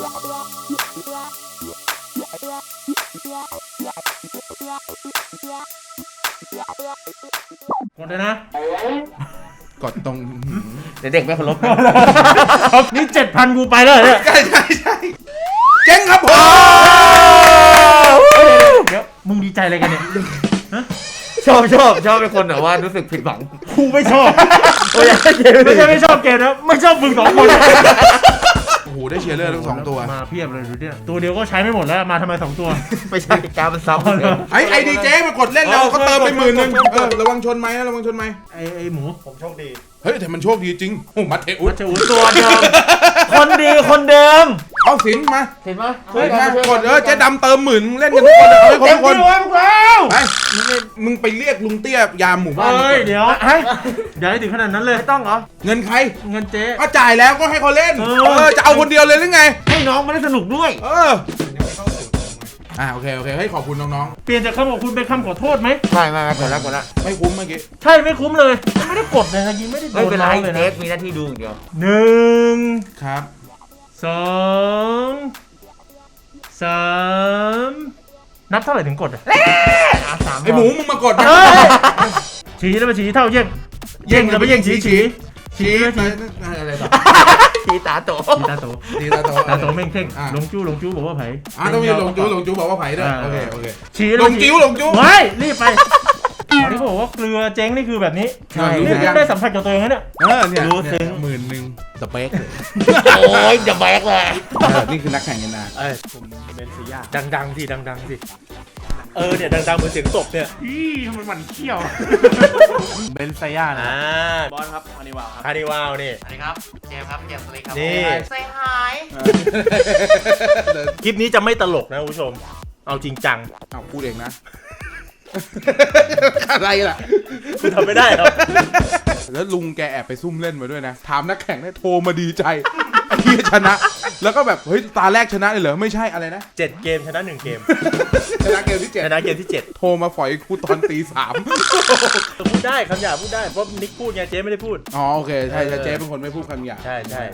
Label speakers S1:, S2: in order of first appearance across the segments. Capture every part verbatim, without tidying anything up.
S1: กดเลยนะ
S2: กดตรง
S3: เด็กไม่เคารพ
S1: นี่เจ็ดพันกูไปแล้วเนี่ย
S2: ใช่ใช่ใช่เจ๊งครับผม
S1: เดี๋ยวมึงดีใจอะไรกันเนี่ย
S3: ชอบชอบชอบเป็นคนแต่ว่ารู้สึกผิดหวัง
S1: กูไม่ชอบไม่ใช่ไม่ชอบเกมนะไม่ชอบมึงสองคน
S2: โอ้โหได้เชียร์เลอร์ทั้งสองตัว
S1: มาเพียบเลยดูเนี่ยตัวเดียวก็ใช้ไม่หมดแล้วมาทำไมสองตัว
S3: ไม่ใช่การมันซ้ำ
S2: ไอ้ไอดีเจมากดเล่นเราก็เติมไปหมื่นนึงเออระวังชนไหมนะระวังชนไหม
S1: ไอ้ไอ้หมู
S4: ผมโชคดี
S2: เฮ้ยแต่มันโชคดีจริงโอ้มัดเทอุส
S1: มัดเทอุสตัวเดิมคนดีคนเดิม
S2: เอาสินมา
S3: เห็นไหม
S2: เฮ้ยกดเออเจ๊ดำเติมหมื่นเล่นกันทุกคนเอาให้ครบทุกคนไปมึงไปเรียกลุงเตี้ยยามหมู่บ้าน
S1: เฮ้ยเดี๋ยวอย่าให้ถึงขนาดนั้นเลย
S3: ไม่ต้องเหรอ
S2: เงินใคร
S1: เงินเจ๊
S2: ก็จ่ายแล้วก็ให้เขาเล่นเออจะเอาคนเดียวเลยหรือไง
S3: ให้น้องมาได้สนุกด้วย
S2: เอออ่าโอเคโอเคให้ขอบคุณน้อง
S1: ๆเปลี่ยนจากคำขอบคุณเป็นคำขอโทษไหม
S3: ไม่ไม่ไม่กดแล้วกดแล้ว
S2: ไม่คุ้มเมื่อกี้
S1: ใช่ไม่คุ้มเลยไม่ได้กดเลยนะยิงไม่ได้โดน
S3: ไม่เป็นไร
S1: เลย
S3: นะ
S1: เท
S3: สมีหน้าที่ดูอย่างเดียว
S1: หนึ่ง
S2: ครับ
S1: สองสามนับเท่าไหร่ถึงกดอ่ะ
S2: ไอหมูมึงมากด
S1: ชี้แล้วมาชี้เท่าเย่งเย่งแล้วไปเย่งชี้ชี้
S2: ชี้อะไรต่อ
S3: ชี้ตาโต
S1: ชี้ตาโต
S2: ชี้ตาโต
S1: ตาโตเม่งเท่งลงจู้ลงจู้บอกว่าไผ่
S2: อ่าต้องมีลงจู้ลงจู้บอกว่าไผ่ด้วยโอเคโอเค
S1: ชี้
S2: ลงจิ้วลงจู้
S1: ไม่รีบไปอ๋อที่บอกว่าเกลือเจ๊งนี่คือแบบนี้นี่ได้สัมผัสกับตัวเองแล้วเนี่ย
S2: เออเนี่ยรู้ซึ้งหมื่นหนึ่งสเปค
S3: โอ้ยจะแบกเลย
S2: นี่คือนักแข่งกันนะ
S1: เอ้ยผมเบนซิยาดังๆสิดังๆสิเออเนี่ยดังๆเหมือนเสียงตบเนี่ยอีทำไมมันเขี้ยวเบนซิยานะ
S4: บอลครับคานิวาลครับ
S1: คานิวาลนี่
S4: สวัสดีครับเจมครับเจมสวัสดีครับ
S1: นี่
S4: ใส่หาย
S1: คลิปนี้จะไม่ตลกนะคุณผู้ชมเอาจริงจัง
S2: เอาพูดเองนะอะไรล่ะ
S1: คุณทำไม่ได้หรอ
S2: แล้วลุงแกแอบไปซุ่มเล่นมาด้วยนะถามนักแข่งได้โทรมาดีใจที่ชนะแล้วก็แบบเฮ้ยตาแรกชนะเลยเหรอไม่ใช่อะไรนะ
S1: เจ็ดเกมชนะหนึ่งเกม
S2: ชนะเกมที่เจ็ด
S1: ชนะเกมที่เจ็ด
S2: โทรมาฝอยกูตอนตีสาม
S1: พูดได้คำหยาบพูดได้เพราะนิกพูดไงเจ๊ไม่ได้พูด
S2: อ๋อโอเคใช่เจ๊เป็นคนไม่พูดคำหยาบ
S1: ใช่ใช่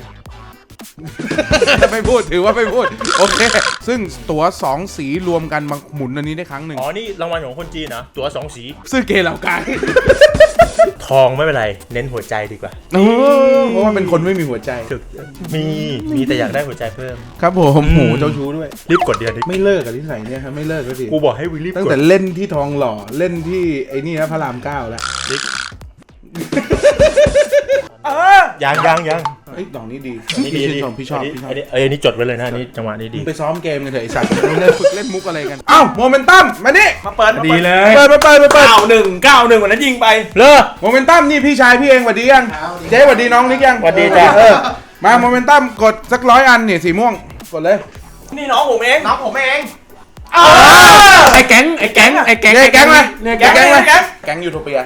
S2: ไม่พูดถือว่าไม่พูดโอเคซึ่งตั๋วสองสีรวมกันมาหมุนอันนี้ได้ครั้งหนึ่ง
S1: อ๋อนี่รางวัลของคนจีนนะตั๋วสองสี
S2: ซื้อเกเหล่ากาย
S1: ทองไม่เป็นไรเน้นหัวใจดีกว่า
S2: เพราะว่าเป็นคนไม่มีหัวใจ
S1: มีมีแต่อยากได้หัวใจเพิ่ม
S2: ครับผมหมูเจ้าชู้ด้วย
S1: รีบกดเดียวดิ
S2: ไม่เลิกกับที่ใส่เนี่ยครับไม่เลิกก็สิ
S1: กูบอกให้วิลลี่
S2: ตั้งแต่เล่นที่ทองหล่อเล่นที่ไอ้นี่นะพระรามเก้าแล้ว
S1: ยังยังยัง
S2: ไอ้ดอกนี้ดี
S1: นี่ดี
S2: พี่ชอบพี่ชอบ
S1: อันนี้เอ้ยนี่จดไว้เลยนะนี่จังหวะนี้ดี
S2: ไปซ้อมเกมกันเถอะไอ้สัตว์เล่นฝึกเล่นมุกอะไรกันอ้าวโมเมนตัมมานี่
S1: มาเปิดดีเลย
S2: เปิดเปิดเปิดเปิด
S1: เก้าหนึ่งเก้าหนึ่งวันนั้นยิงไปเลอ
S2: โมเมนตัมนี่พี่ชายพี่เองสวัสดียังเจ๊สวัสดีน้องนิกยัง
S1: สวัสดีจ้ะ
S2: เออมาโมเมนตัมกดสักร้อยอันเนี่ยสีม่วงกดเลย
S4: นี่น้องผมเองน้องผมเอง
S1: ไอ้แก๊งไอ้แก๊งไอ้แก๊ง
S2: ไอ้แก๊งเลย
S1: แก๊ง
S2: เลยแก๊งยูโทเปีย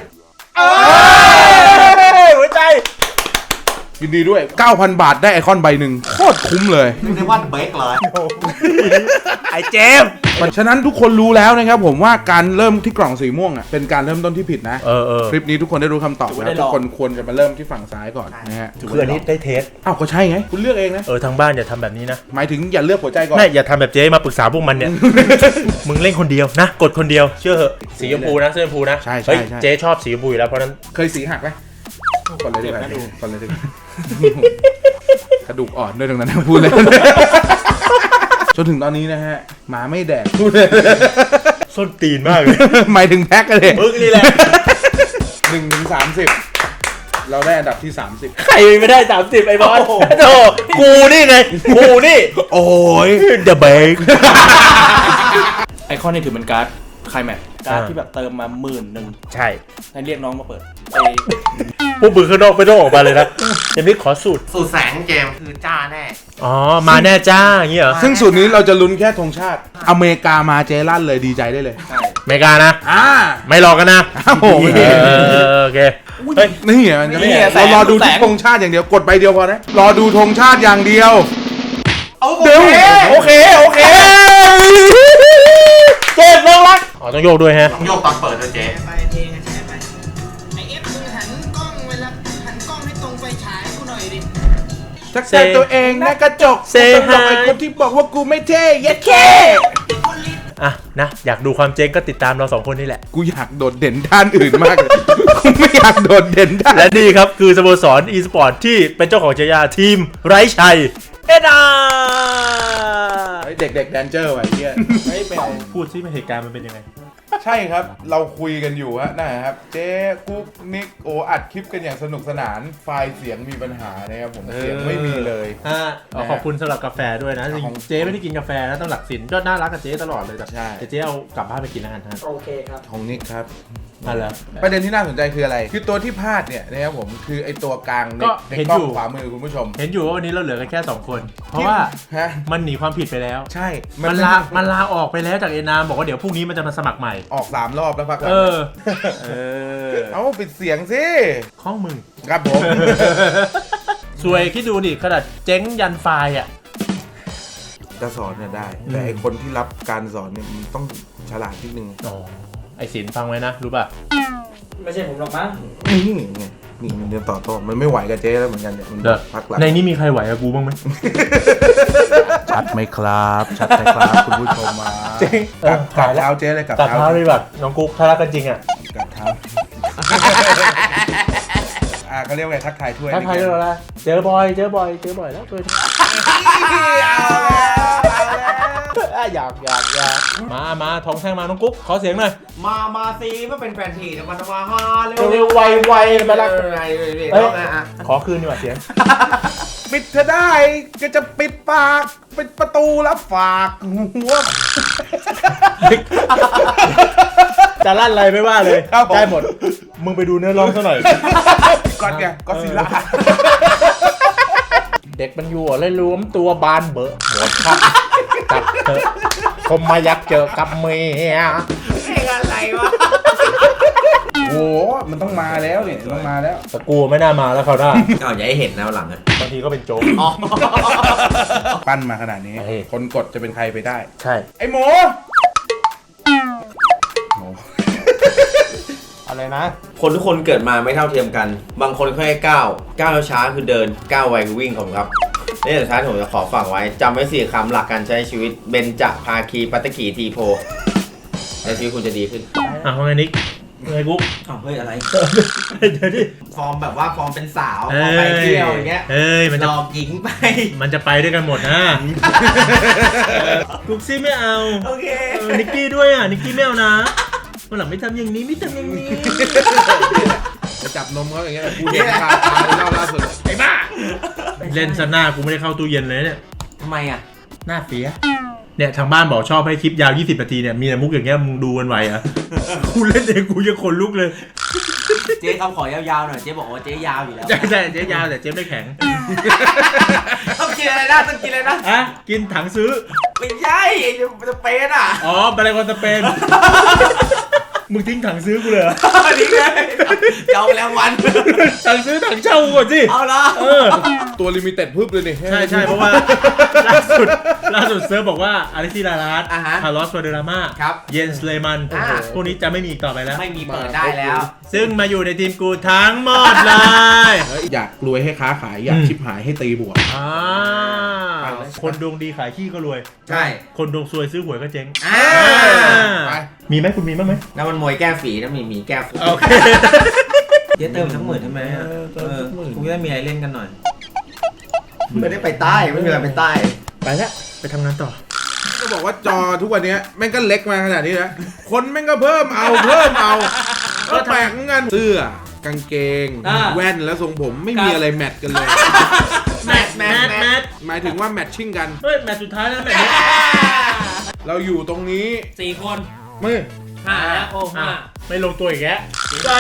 S1: หัวใจ
S2: ยินดีด้วย เก้าพัน บาทได้ไอคอนใบหนึ่งโคตรคุ้มเลย
S4: ไม่ได้ว่าเบรกเลย
S1: ไอเจม
S2: ฉะนั้นทุกคนรู้แล้วนะครับผมว่าการเริ่มที่กล่องสีม่วงอ่ะเป็นการเริ่มต้นที่ผิดนะคลิปนี้ทุกคนได้รู้คำตอบแล้วทุกคนควรจะมาเริ่มที่ฝั่งซ้ายก่อนนะฮะ
S1: คืออันนี้ได้เทส
S2: อ้าวก็ใช่ไงคุณเลือกเองนะ
S1: เออทางบ้านอย่าทำแบบนี้นะ
S2: หมายถึงอย่าเลือกหัวใจก่อน
S1: ไม่อย่าทำแบบเจ๊มาปรึกษาพวกมันเนี่ยมึงเล่นคนเดียวนะกดคนเดียวเชื่อเหอะสีชมพูนะสีชมพูนะ
S2: ใช่ใช่
S1: เจ๊ชอบสีชมพูอยู่แล้วเพราะนั้น
S2: เคยสีหักไหมก่อนเลยดีกว่าก่อนเลยดีกระดูกอ่อนด้วยตรงนั้นพูดเลยจนถึงตอนนี้นะฮะหมาไม่แดกพูดเลย
S1: ส้นตีนมากเลย
S2: หมายถึงแพ็กกันเลย
S1: มึงนี่แหละ
S2: หนึ่งถึงสามสิบเราได้อันดับที่สามสิบ
S1: ใครไม่ได้สามสิบไอ้บอลโธ่กูนี่ไงกูนี่
S2: โอ้ย
S1: เดอะเบก
S4: ไอคอนนี่ถือเป็นการ์ดไคลแม็กซ์การ์ดที่แบบเติมมาหมื่นหนึ่ง
S1: ใช่
S4: ให้เรียกน้องมาเปิด
S1: พวกมือข้างนอกไม่ต้องออกมาเลยนะเจมส์ขอสูตร
S4: สูตรแสงเกมคือจ้าแน่
S1: อ๋อมาแน่จ้าอย่างเงี้ยเหรอ
S2: ซึ่งสูตรนี้เราจะลุ้นแค่ธงชาติอเมริกามาเจลั่นเลยดีใจได้เลย
S1: อเมริกานะ
S2: อ่า
S1: ไม่รอกันนะ
S2: โอ้โห
S1: โอเค
S2: นี่อ่ะเรารอดูที่ธงชาติอย่างเดียวกดใบเดียวพอนะรอดูธงชาติอย่างเดียว
S1: เดี๋ยวโอเคโอเคเจ๊น้องรักอ๋อต้องโยกด้วยฮะ
S4: ต้องโยกตอนเปิดด้วยเจ๊
S2: ทักทายตัวเองนะกระจก
S1: Say
S2: กูต้องบอกไอ้
S1: hi
S2: คนที่บอกว่ากูไม่เท่เย็ดแค่
S1: อ่ะนะอยากดูความเจ๊งก็ติดตามเราสองคนนี่แหละ
S2: กูอยากโดดเด่นด้านอื่นมากเลย กูไม่อยากโดดเด่นด้าน
S1: และนี่ครับคือสโมสร e-sport ที่เป็นเจ้าของฉายาทีมไร้ชัยเอ็นอาร์
S2: เด็กเด็กๆแดนเจอร์ไว้เหี้ย
S1: ไม่เป็นพูดซิเหตุการณ์มันเป็นยังไง
S2: ใช่ครับเราคุยกันอยู่ฮะนะครับเจ๊กุ๊กนิกโออัดคลิปกันอย่างสนุกสนานไฟล์เสียงมีปัญหานะครับผมเสียงไม่มีเลย
S1: อ่าขอบคุณสำหรับกาแฟด้วยนะจริง
S2: ของ
S1: ๆเจ๊ไม่ได้กินกาแฟนะต้องหลักสินก็น่ารักกับเจ๊ตลอดเลยแต่
S2: ใช่
S1: แต่เจ๊เอากลับบ้านไปกินแล้วกันท่าน
S5: โอเคครับ
S2: ของนิกครับ
S1: มาแล้ว
S2: ประเด็นที่น่าสนใจคืออะไร คือตัวที่พลาดเนี่ยนะครับผมคือไอตัวกลางใน
S1: ก็
S2: ใน
S1: เห็น
S2: กล้
S1: อ
S2: อง
S1: ยู่
S2: ขวามือคุณผู้ชม
S1: เห็นอยู่ว่าวันนี้เราเหลือกันแค่สองคน เพราะว่า
S2: ฮะ
S1: มันหนีความผิดไปแล้ว
S2: ใช่
S1: มันลามันลาออกไปแล้วจากเอ็นอาร์บอกว่าเดี๋ยวพรุ่งนี้มันจะมาสมัครใหม่
S2: ออกสามรอบแล้วพักหลัง
S1: เออ เออ
S2: เอาปิดเสียงสิ
S1: ข้องมึง
S2: ครับผม
S1: สวยคิดดูดิขนาดเจ๊งยันไฟล์อ่ะ
S2: จะสอนเนี่ยได้
S1: อืม
S2: แต่ไอคนที่รับการสอนเนี่ยมันต้องฉลาดนิดนึง
S1: อ๋อไอศิลป์ฟังไว้นะ รู้ป่ะ
S5: ไม่ใช่ผมหรอกมั้ง
S2: นี่ไงนี่มันเดินต่อโต้มันไม่ไหวกับเจ๊แล้วเหมือนกันเนี่ยมัน
S1: เด้อ
S2: พักหลัง
S1: ในนี้มีใครไหวกับกูบ้างไหม
S2: ชัดไหมครับ ชัดไหมครับ คุณผู้ชมมา
S1: เจ๊งเออ
S2: กับเท้าเจ๊เลยกับ
S1: ตัดเท้าเลยแบบน้องกุ๊กถ้ารักกันจริงอ่ะ
S2: กับเท้าอ่าเขาเรียกว่าไงทักทายถ้วย
S1: ถ้าใครเราละเจอบอย เจอบอย เจอบ่อยแล้วเคยอยากอยากอยากมามาทองแท่งมาน้องกุ๊กขอเสียงหน่อย
S5: มา มาซีมาเป็นแฟนทีนะมันมาฮาเร็ว
S1: เร็วๆไวๆไปละ
S5: ไรเลย
S1: เอ้ย
S5: นะอ่ะ
S1: ขอคืนดีกว่าเสียง
S2: ปิดเธอได้ก็จะปิดปากปิดประตูแล้วฝากหัว
S1: จะลั่นอะไรไม่ว่าเลย
S2: ครับผม
S1: ได้หมด มึงไปดูเนื้อร้องซะหน่อย
S2: ก่อนไงก็ซิล่า
S1: เด็กมันอยู่เลยรวมตัวบานเบอะหมดครับกับเธอคมมายักเจอกับเมีย
S5: เพลงอะไรวะ
S2: โอ้มันต้องมาแล้วเนี่ยต้องมาแล้ว
S1: แต่กูไม่น่ามาแล้วเขาได้
S5: อ้าวอย่าให้เห็นนะหลังอ่ะ
S1: บางทีก็เป็นโจ๊ก
S5: อ๋อ
S2: ปั้นมาขนาดนี้
S1: เฮ้ย
S2: คนกดจะเป็นใครไปได้
S1: ใช่
S2: ไอ้หมูหมู
S1: อะไรนะ
S5: คนทุกคนเกิดมาไม่เท่าเทียมกัน บางคนแค่ก้าวก้าวช้าคือเดินก้าวไวคือวิ่งของครับนี่สุดท้ายผมจะขอฝากไว้จำไว้สี่คำหลักการใช้ชีวิตเบญจภาคีปัตตกีทีโพแล้วชีวิตคุณจะดีขึ้น
S1: อ่ะว่าไงนิกไงกุ๊ก
S5: อ้าวเฮ้ยอะไร
S1: เดี๋ยวดิ
S5: ฟอร์มแบบว่าฟอร์มเป็นสาวฟอร์มไปเที่ยวอย่างเงี้ย
S1: เอ้ยมัน
S5: ห
S1: จะ
S5: ลอกหญิงไป
S1: มันจะไปด้วยกันหมดนะกุ๊กซี่ไม่เอา
S5: โอเค
S1: เออนิกกี้ด้วยอ่ะนิกกี้ไม่เอานะวันหลังไม่ทำอย่างนี้ไม่ทำอย่างนี้
S2: จะจับนมเขาอย่างเงี้ยกูเห็นคาตาเล่าล่าสุดไอ้บ้า
S1: เล่นซะหน้ากูไม่ได้เข้าตู้เย็นเลยเนี่ย
S5: ทำไมอ่ะ
S1: หน้าเสียเนี่ยทางบ้านบอกชอบให้คลิปยาวยี่สิบนาทีเนี่ยมีแต่มุกอย่างเงี้ยมึงดูกันไหวอ่ะ กูเล่นเองกูยังขนลุกเลย
S5: เจ๊คำขอยาวๆหน่อยเจ๊บอกว่าเจ๊ยาวอยู่แล้ว
S1: ใช่ใช่เจ๊ยาวแต่เจ๊ไม่แข็ง
S5: ต้องกินอะไรนะต้องกินอะไรนะ
S1: อ่ะกินถังซื้อ
S5: ไม่ใช่ไอ้สเปนอ่ะ
S1: อ๋อแบรนด์คอนสเปน มึงทิ้งถังซื้อกูเลยเหรอ
S5: นี่ไงเจ้าแรงวัน
S1: ถังซื้อถังเช่ากูก่อนสิ
S5: เอาละ
S1: เออ
S2: ตัวลิมิเต็ดพึบเลยนี่
S1: ใช่ใช่เพราะว่าล่าสุดล่าสุดเซิร์ฟบอกว่าอาริซิลาลาส
S5: อ่ะฮะ
S1: คาร์ลอสวาเดราม่า
S5: ครับ
S1: เยนสเลมัน
S5: อ่า
S1: พวกนี้จะไม่มีอีกต่อไปแล้ว
S5: ไม่มีเปิดได้แล้ว
S1: ซึ่งมาอยู่ในทีมกูทั้งหมดเลย
S2: เฮ้ยอยากรวยให้ค้าขายอยาก
S1: อืม
S2: ชิบหายให้ตีบวก
S1: อ่าคนดวงดีขายขี้ก็รวย
S5: ใช่
S1: คนดวงซวยซื้อหวยก็เจ๊ง
S5: อ่า
S2: ไป
S1: มีไหมคุณมีบ้างไหม
S5: น้ำมันมวยแก้ฝีน้ำมีหมีแก้ฝี
S1: โอเค
S5: เจ๊เติมทั้งหมื่นใช่ไหมอ่ะ
S2: เออเติ
S5: เอ
S2: ม
S5: อ
S2: ทั้งหมื่น
S5: กูจะได้มีอะไรเล่นกันหน่อย ไม่ได้ไปใต้ไม่มีอะไรไปใต้
S1: ไปแล้วไปทำงานต่อ
S2: ก็บอกว่าจอทุกวันเนี้ยแม่งก็เล็กมาขนาดนี้นะคนแม่งก็เพิ่มเอาเพิ่มเอาก็แปลกเหมือนกันเสื้อกางเกง
S5: อ่า
S2: แว่นและทรงผมไม่มีอะไรแมทกันเลย
S5: แมทแมทแมท
S2: หมายถึงว่าแมทชิ่งกัน
S1: เฮ้ยแมตช์สุดท้ายแล้วแมตช์นี้
S2: เราอยู่ตรงนี้
S5: สี่คน
S2: มือ
S5: ห้าแล้วโอ้ห้า
S1: อ่ะไม่ลงตัวอีกแล้วจ้า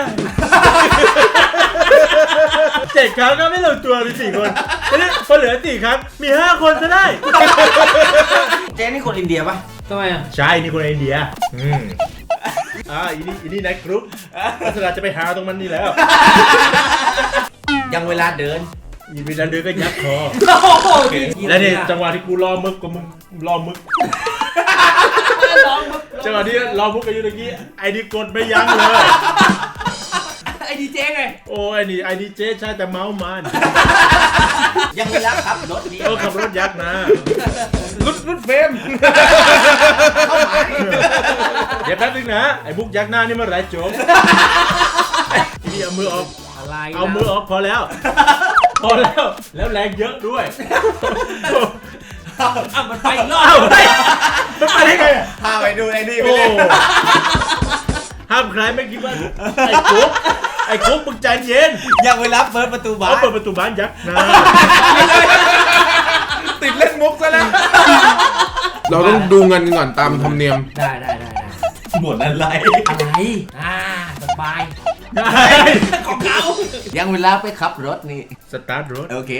S1: เจ็ดครั้งก็ไม่ลงตัวมีสี่คนแล้วพอเหลือสี่ครั้งมีห้าคนซะได้
S5: เจ๊นี่คนอินเดียปะทำไมอ่ะ
S1: ใช่ นี่คนอินเดีย อืมอ่าอีนี่อีนี่นายกรุ๊ปลักษณะจะไปหาตรงมันนี่แล้ว
S5: ยังเวลาเดิน
S1: อีวิลันเดือก็ยับคอ
S5: โอ้โห
S1: และนี่จังหวะที่กูรอมึกกับมึงรอมึก จังหวะที่รอมึกกันอยู่ตะกี้ไอ้นี่กดไม่ยั้งเลย
S5: ไอ้
S3: ดีเจไง
S1: โอ้ยนี่ไอดีเจใช่แต่เมาส์มัน
S3: ยังไม่รักครับรถนี้
S1: เออขับรถยักษ์นะ
S2: รุดรุดเฟรม
S3: เข้ามา
S1: เดี๋ยวแป๊บนึงนะไอ้บุกยักษ์หน้านี่เมื่อไหรจบพี่เอามือออก
S3: อะไร
S1: เอามือออกพอแล้ว พอแล้วแล้วแรงเยอะด้วย
S3: อ่ะมันไปอีกรอบ
S1: เอ้าเฮ้ยมันไปได้ไงอะ
S3: พาไปดูไอ้นี่ไป
S1: โอ้
S3: เลย
S1: ห้ามใครไม่คิดว่าไอ้กุ๊กไอ้กุ๊กมึงใจเย็น
S3: ยังไปรับเปิดประตูบ้า
S1: เขา
S3: น
S1: เปิดประตูบ้านยักษ์นะ
S2: ติดเล่นมุกซะแล้ว เราต้องดูเงินกันก่อนตามธรรมเนียม
S3: ได้ได้ได้ได้
S5: หมดอะไร
S3: อะไรอ่าสบาย
S1: ได้
S3: ของเขายังเวลาไปขับรถนี่
S1: สตาร์ทรถ
S3: โอเค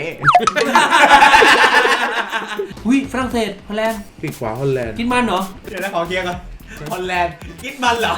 S3: อุ้ยฝรั่งเศสฮอลแลนด์
S2: ปีกขวาฮอลแลนด์
S3: กินมันเหรอ
S5: เดี๋ยวนะขอเคลียร์ก่อน
S3: ฮอลแลนด์กินมันเหรอ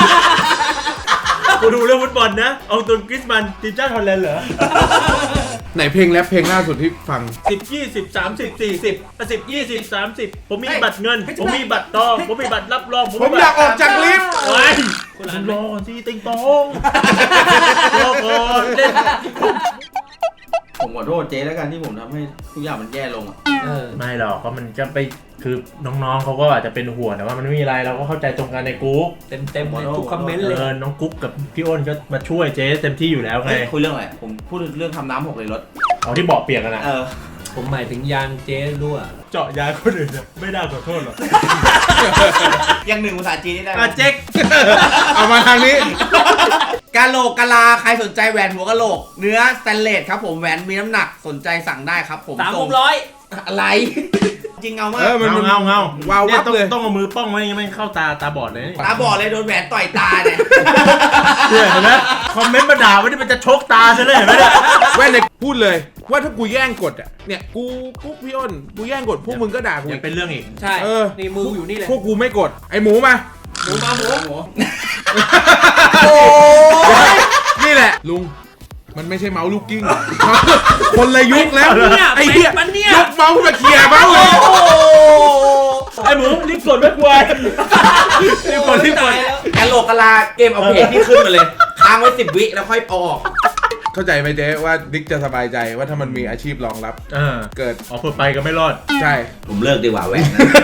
S1: กูดูเรื่องฟุตบอลนะ เอาตัวกริสมันทีมชาติฮอลแลนด์เหรอ
S2: ไหนเพลงแรปเพลงล่าสุดที่ฟัง
S1: สิบยี่สิบสามสิบสี่สิบสิบยี่สิบสามสิบผมมีบัตรเงิน ผมมีบัตรทองผมมีบัตรรับรอง
S2: ผมอยากออกจากลิฟต์
S1: ไว้คุณรอก่อนสิติงตองรอก่อนเล่น
S5: ผมขอโทษเจ๊แล้วกันที่ผมทำให้ทุกอย่างมันแย่ลงอ่ะ
S3: เออ
S1: ไม่หรอกเพราะมันจะไปคือน้องๆเขาก็อาจจะเป็นห่วงแต่ว่ามันไม่มีอะไรเราก็เข้าใจตรงกันในกรุ๊ป
S3: เต็มเต็มเลยทุกคอมเมนต์เลย
S1: เออน้องกุ๊กกับพี่อ้นก็มาช่วยเจ๊เต็มที่อยู่แล้วไง
S5: เฮ้ยคุยเรื่องอะไร ผมพูดเรื่องทำน้ำหกเลยรถ
S1: เอาที่บอกเปียกกันนะ
S5: เออ
S3: ผมหมายถึงยางเจ๊รั่ว
S1: เจาะยาคนอื่นเนี่ยไม่น่าขอโทษหรอก
S5: ยังหนึ่งภาษาจีนนี่ได้ไหม
S1: อ่ะเจ๊ก
S2: เอามาทางนี้
S5: กะโหลกกะลาใครสนใจแหวนหัวกะโหลก เนื้อสแตนเลสครับผมแหวนมีน้ำหนักสนใจสั่งได้ครับผม
S3: สาม
S5: ส่
S3: ห
S5: ง
S3: กร้อย
S5: อะไร จริงเอามา
S2: เอก อ มัน
S1: เงา
S2: มัน
S1: เงาเงาว
S2: าววับ
S1: ต้อง
S2: เลย
S1: ต้องเอามือป้องไว้ยังไม่เข้าตาตาบอดเลยนี่
S5: ตาบอดเลยโดนแหวนต่อยตาเนี่ย
S1: เนี่ยเห็นไหมคอมเมนต์มาด่าว่านี่มันจะชกตาซะเลยเห็นไหมเนี่ย
S2: แว่นเนี่ยพูดเลย ว่าถ้ากูแย่งกดอ่ะ เนี่ย กูกูพี่อ้น กูแย่งกดพวกมึงก็ด่ากู
S1: ยั
S2: อี
S1: ง
S2: ก
S1: เป็นเรื่องอีก
S3: ใช่
S2: เออ
S3: นี่มืออยู่นี่เลย
S2: พวกกูไม่กด ไอหมูมา
S3: หมูมาหมูหมู
S2: โอ้ยนี่แหละ ลุง มันไม่ใช่เมาส์ลูกกิ้ง คนละยุคแล้ว ไอ้เหี้ย
S3: มันเนี่ย
S2: ยกเมาส์มาเคลียร์เมาส์เลย
S1: ไอ้หมูรีบกดไม่กลัวรีบกดรีบกด
S5: กะโหลกกะลาเกมเอาเพจที่ขึ้นมาเลยค้างไว้สิบวิแล้วค่อยเอาออก
S2: เข้าใจไหมเจ๊ว่าดิ๊กจะสบายใจว่าถ้ามันมีอาชีพรองรับ
S1: อ่า
S2: เกิด
S1: ออกเพื่อไปก็ไม่รอด
S2: ใช่
S5: ผมเลิกดีกว่าแหวน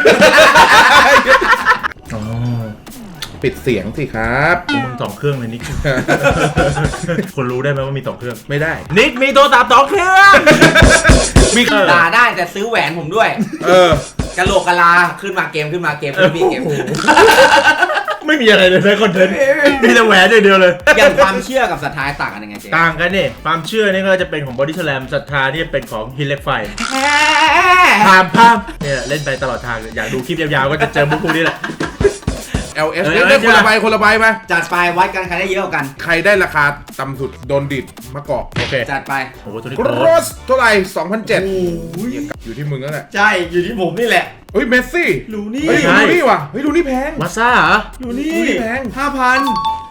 S1: อ๋อ
S2: ปิดเสียงสิครับ
S1: มึงสองเครื่องเลยนิก คนรู้ได้ไหมว่ามีสองเครื่อง
S2: ไม่ได้
S1: นิกมีโทรศัพท์สองเครื่อง
S2: มี
S5: ด่าได้แต่ซื้อแหวนผมด้วย
S2: เออ
S5: กะโหลกกะลาขึ้นมาเกมขึ้นมาเกมขึ้นมาเกม
S1: ไม่มีอะไรเลยนะคอนเทนต์มีแต่แหวนอย่างเดียวเลย
S5: อย่างความเชื่อกับศรัทธาต่างกันยังไงเจ๊
S1: ต่างกันนี่ความเชื่อนี่ก็จะเป็นของบอดี้สแลมศรัทธาที่เป็นของฮินเล็กไฟพามพามเนี่ยเล่นไปตลอดทางอยากดูคลิปยาวๆก็จะเจอมุกพวกนี้แหละ
S2: แอล เอส
S1: เออ
S2: เอ้ยได้คนละใบคนละใบมา
S5: จัดไปวัดกันใครได้เยอะกว่ากัน
S2: ใครได้ราคาต่ำสุดโดนดิดมะกอก
S1: โอเค
S5: จัดไป
S1: โอ้โหตัวนี้
S2: ก
S1: โก
S2: ร
S1: ร
S2: สเท่าไหร่สองพันเจ็ดอยู่ที่มึงแล้วแหละ
S5: ใช่อยู่ที่ผมนี่แหละ
S2: เฮ้ยเมสซี่
S5: ลูนี่
S2: เฮ้ยลูนี่ว่ะเฮ้ยลูนี่แพง
S1: มาซ่าเหรอ
S5: ลูนี่
S2: ลูนี่แพง
S5: ห้าพัน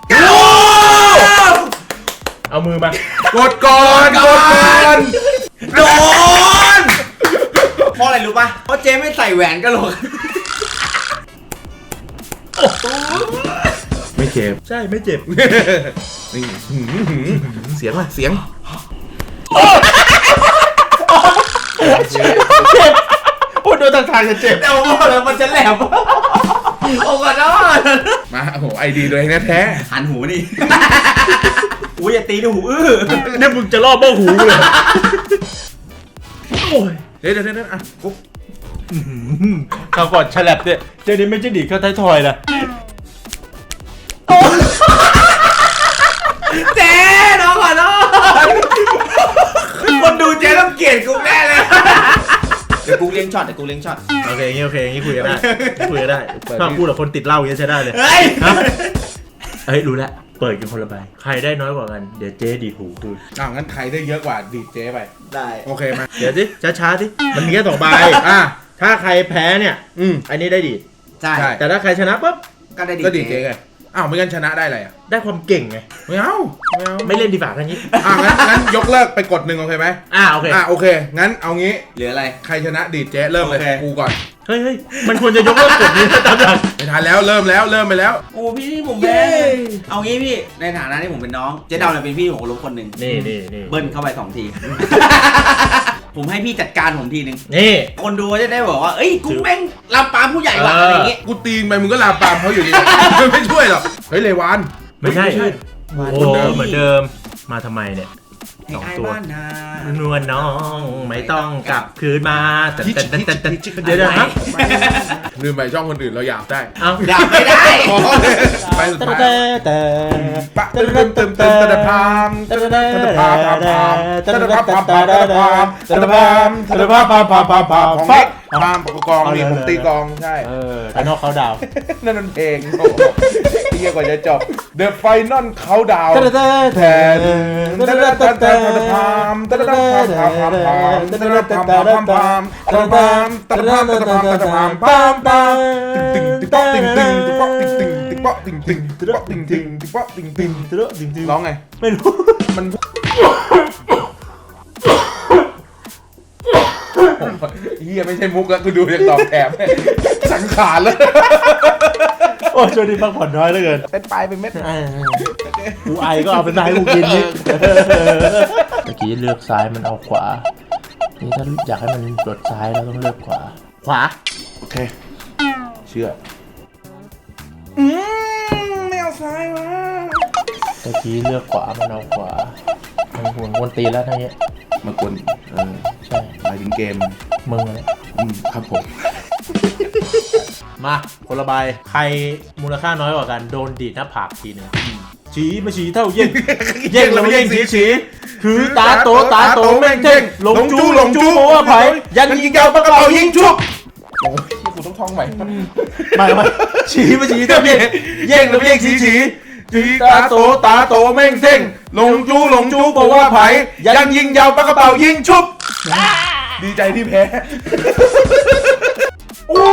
S1: เอามือมาก
S2: ดก่อนกดก่อน
S5: โดนเพราะอะไรรู้ป่ะเพราะเจ๊ไม่ใส่แหวนกะโหลก
S2: ไม่เจ็บ
S1: ใช่ไม่เจ็บ
S2: นี่หืมหืมเสียงว่ะเสียง
S1: โอ้โดนทางทางจะเจ็บ
S5: แต่ผมบอกเลยมันจะแหลมโอ้กันเนาะ
S2: มาโอ้โหไอดีตัวเองแท้
S5: หันหูนี่อุ้ยอย่าตีดูหูอื้อ
S1: เนี่ยมึงจะล่อเบ้าหูเลยโอ้ย
S2: ๆเดี๋ยวเดี๋ยวเดี๋ยวอ่ะกุ๊บ
S1: คราวก่อนฉลับเนี่ยเจนี่ไม่ใช่ดีดเข้าท้ายทอยนะ
S5: เจ๊น้องก่อนเนาะคนดูเจ๊ต้องเกลียดกูแน่เลยเดี๋ยวกูเลี้ยงช็อตเดี๋ยวกูเลี้ยงช็อต
S1: โอเคอย่างงี้โอเคอย่างงี้คุยกันได้คุยกันได้ถ้าพูดกับคนติดเหล้าอย่างงี้ใช้ได้เลย
S5: เฮ้ย
S1: ฮะเฮ้ยรู้แล้วเปิดกันคนละใบใครได้น้อยกว่ากันเดี๋ยวเจ๊ดีดหูคุณ
S2: อ่างั้นใครได้เยอะกว่าดีดเจ๊ไป
S5: ได้
S2: โอเคมา
S1: เดี๋ยวสิช้าๆสิมันมีแค่สองใบ
S2: อ่ะ
S1: ถ้าใครแพ้เนี่ย
S2: อืม
S1: อันนี้ได้ดีด
S5: ใช่
S2: ใช่
S1: แต่ถ้าใครชนะปุ๊บ
S5: ก็ได้ดี
S2: ก็ดีดเจ๊ไงอ้าวไม่งั้นชนะได้อะไรอ่ะ
S1: ได้ความเก่งไง
S2: ไม่เอาไม่เอา
S1: ไม่เล่นดีกว่าทั้งนี้
S2: อ่ะงั้นงั้นยกเลิกไปกดหนึ่งโอเคไหม
S1: อ่าโอเค
S2: อ่ะโอเค งั้นเอางี้
S5: เหลืออะไร
S2: ใครชนะดีดเจ๊เริ่มเลย
S5: โอเค
S2: กูก่อน
S1: เฮ้ยเฮ้ยมันควรจะยกเลิกกฎนี้นะตามหลัก
S2: ไม่ทันแล้วเริ่มแล้วเริ่มไปแล้ว
S5: โอ้พี่ผมแพ้เอางี้พี่ในฐานะที่ผมเป็นน้องเจ๊ดาวเนี่ยเป็นพี่ของลุงคนหนึ่ง
S1: นี่นี่นี่
S5: เบิ้ลเข้าไปสองที ผมให้พี่จัดการผมทีนึง
S1: นี่
S5: คนดูจะได้บอกว่าเอ้ยกูแม่งลำปามผู้ใหญ่ว่ะ
S1: เอออ
S5: อะไรอย่างงี้
S2: กูตีนไปมึงก็ลามปามเขาอยู่ดี ไม่ช่วยหรอกเฮ้ยเลวาน
S1: ไม่ใช่
S2: ไม่ใช่
S1: โอ้โหเหมือนเดิมมาทำไมเนี่ย
S5: ไอ้
S1: สอง
S5: ไอ้
S1: ตัว
S5: บ้านนาน
S1: วลน้องไม่ต้องกลับคืนมาแต่แต่แต่แต่แต่เดี๋ยวเดี๋ยวครับ
S2: ลืมไปช่องคนอื่นเราหยาบได้
S1: เอา
S5: อยากไม่ได้
S2: อ๋อไปสุดท้าย
S1: แต่แต่
S2: ปะตึมตึมตึมตึมตะพามตะพามพามพามตะพามพามพามตะพามตะพามตะพามพามพามพามพามของนี้พามกองนี่ผมตีกองใช่
S1: เออแต่นอกเขาดาว
S2: นั่นมันเพลงโอ้โหเที่ยกว่าจะจบ The Final Countdown แทนตะตะตะตะตะพามตะตะพามพามพามตะตะพามพามพามตะพามตะพามตะพามตะพามพามพามตึงตึงตึงตึงตึงตึงตึงตึงตึงตึงตึงตึงตึงตึงตึงตึงตึง
S1: เตอะจริงๆ
S2: ร้องไง
S1: ไม่รู้
S2: มันเฮียไม่ใช่มุกแล้วกูดูยังตอบแถมสังขารแล้ว
S1: โอ้ช่วงนี้พักผ่อนน้อยเหลือเกิน
S2: เป็นปลายเป็นเม็ด
S1: กูไอก็เอาเป็นนายกูกินนี่เมื่อกี้เลือกซ้ายมันเอาขวา นี่ถ้าอยากให้มันกดซ้ายเราต้องเลือกขวา ขวา
S2: โอเค เชื่อ อืมไม่เอาซ้ายวะ
S1: เมื่อกี้เลือกขวามันเอาขวา มันหวนวนตีแล้วทั้งนี้ย
S2: มากวนเออ
S1: ใช่
S2: หมายถึงเกม
S1: มึงอะไร
S2: อืมครับผม
S1: มาคนละใบใครมูลค่าน้อยกว่ากันโดนดีดหน้าผากทีหนึงฉีมาฉีเท่าเย่ง เย่งแล้วมาเย่งฉีฉีคือตาโตตาโตแม่งเท่งหลงจูหลงจูเพราะว่าไผ่ยันยิงยาวปากกระเป๋ายิงชุบ
S2: โอ้ยกูต้องท่องใหม่
S1: ไม่ไม่ฉีมาฉีเท่าเย่งเย่งแล้วมาเย่งฉีฉีคือตาโตตาโตแม่งเท่งหลงจูหลงจูเพราะว่าไผ่ยันยิงยาวปากกระเป๋ายิงชุบ
S2: ดีใจที่แพ้
S1: โอ้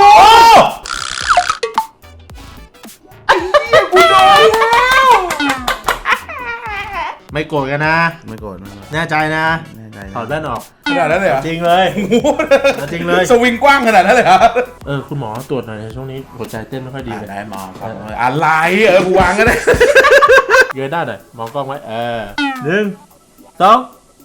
S1: ไม่โกรธกันนะ
S2: ไม่โกรธไม่โกรธ
S1: แน่ใจนะ
S2: แน่ใจ
S1: ถอดแว่นออก
S2: ขนาดนั้นเลยเหรอ
S1: จริงเลยจริงเลย
S2: สวิงกว้างขนาดนั้นเลยเหรอ
S1: เออคุณหมอตรวจหน่อยนะช่วงนี้หัวใจเต้นไม่ค่อยดีเลย
S2: ได้มาครับอะไรเออกูวางก็ได้
S1: เงยหน้าหน่อยมองกล้องไว้เออหนึ่งสอง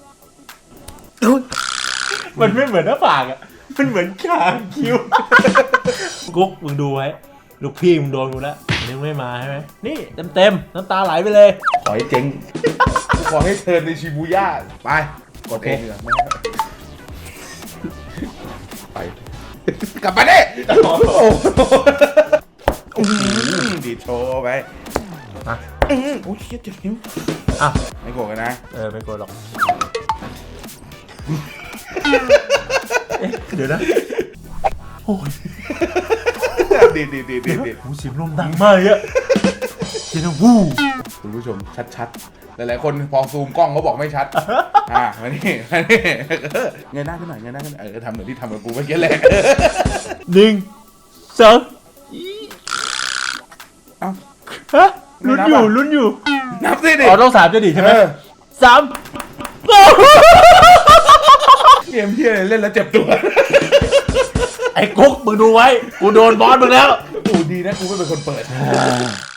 S1: มันไม่เหมือนหน้าผากอ่ะมันเหมือนคางคิ้วกุ๊กมึงดูไว้ลูกพี่มึงโดนกูแล้วอันนี้มึงไม่มาใช่ไหมนี่เต็มเต็มๆน้ำตาไหลไปเลย
S2: ขอให้เจ๊งขอให้เทิร์นในชิบูย่าไปกดเองดีกว่าไปกลับมาดิโอ้โหดีดโชว์ไป
S1: อ่ะ
S2: อือโอ้ยเจ็บเจ็บนิ้ว
S1: อ่ะ
S2: ไม่โกรธกันนะ
S1: เออไม่โกรธหรอกเอ๊ะเดี๋ยวนะโอ้ย
S2: ดีดีดีดีดี
S1: หูเสียงลมดังมากเลยอะเสียงดังวู้
S2: คุณผู้ชมชัดๆหลายๆคนพอซูมกล้องเขาบอกไม่ชัดอ่ะมานี่มานี่เงยหน้าขึ้นหน่อยเงยหน้าขึ้นหน่อยเออทำเหมือนที่ทำกับกูเมื่อกี้แหละ
S1: หนึ่งสอง
S2: เอ้า
S1: ฮะลุ้นอยู่ลุ้นอยู่
S2: นับสิดิ
S1: อ๋อต้องสามจะดีใช่ไหม
S2: เออ
S1: สาม
S2: เกมที่อะไรเล่นแล้วเจ็บตัว
S1: ไอ้กุ๊กมึงดูไว้ กูโดนบอสมึงแล้ว
S2: กูดีนะกูไม่เป็นคนเปิด